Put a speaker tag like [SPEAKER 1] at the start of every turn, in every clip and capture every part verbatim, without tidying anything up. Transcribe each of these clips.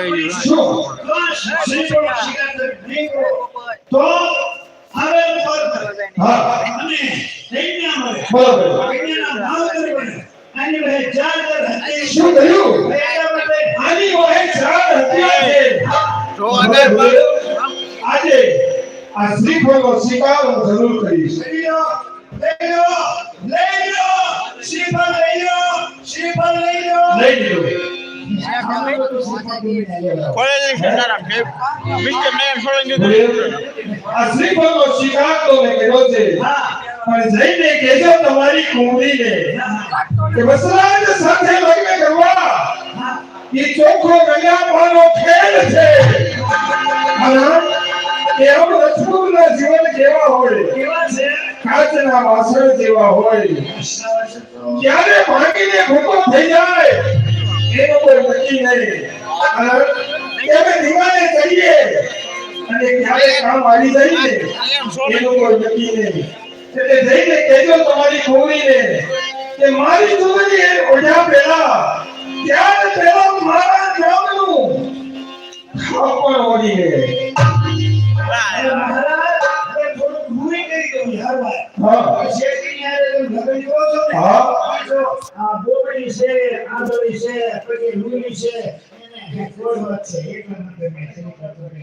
[SPEAKER 1] શું શ્રીફળ શિકાતર નહીં કરો તો હવે હા અને કન્યા મળે બરાબર કન્યાના ભાવ કરે આની વહે ચાર હત્યા શું કહ્યું આની વહે ચાર હત્યા છે જો અગર આજે આ શ્રીફળનો સ્વીકાર હું જરૂર કરીશ લઈ લો લઈ લો લઈ લો શ્રીફળ લઈ લો શ્રીફળ લઈ લો લઈ લો આ શ્રીફળનો સ્વીકાર તો મેં કર્યો છે પણ જઈને કહેજો તમારી કુંવરીને કે વસરાજ સાથે લગ્ન કરવા એ ચોખ્ખો ગણ્યાપાનો ખેલ છે કે આમ રસગુલ્લા જીવન કેવા હોય કેવા છે કાચના વાસણ જેવા હોય ક્યારે ભાંગીને ભૂકો થઈ જાય એનો કોઈ નક્કી નહીં અને દિવાળે કરીએ અને ક્યારે કામ આવી જાય ને એનો કોઈ નક્કી નહીં એટલે જઈને કહેજો તમારી કુંવરીને કે મારી કુંવરી એ ઓઢા પહેલા ત્યારે પહેલા મારા નામનું ખાપણ ઓઢી ગયે મહારાજ હવે થોડું ભૂઈ કરી દઉં હર વાર હા શેઠની યારે તમે લગન જોવો છો ને હા આ બોબડી છે આંધળી છે પછી લુલી છે એને કોઈ વાત છે એટલા માટે મેં તેની પર થોડી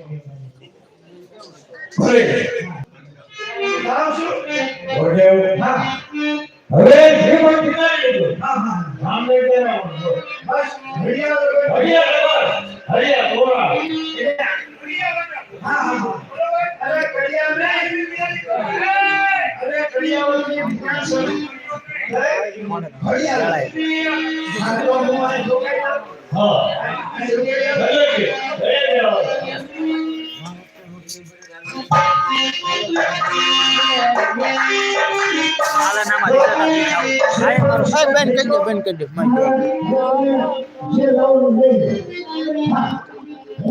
[SPEAKER 1] ભલે નામ શું ઓઢે હા હવે જે પણ ઠીકાણે લીધું હા હા નામ લઈ દેવા બસ હરિયા હરિયા હરિયા તોરા હા હા અરે કડિયા મે અરે કડિયા વાળી દુકાન છે હરિયા હા તો મોય જોગાઈ હા જોગાઈ ભલે કે આલા નામ આલા બેન કરી દે બેન કરી દે જે લાવું લઈ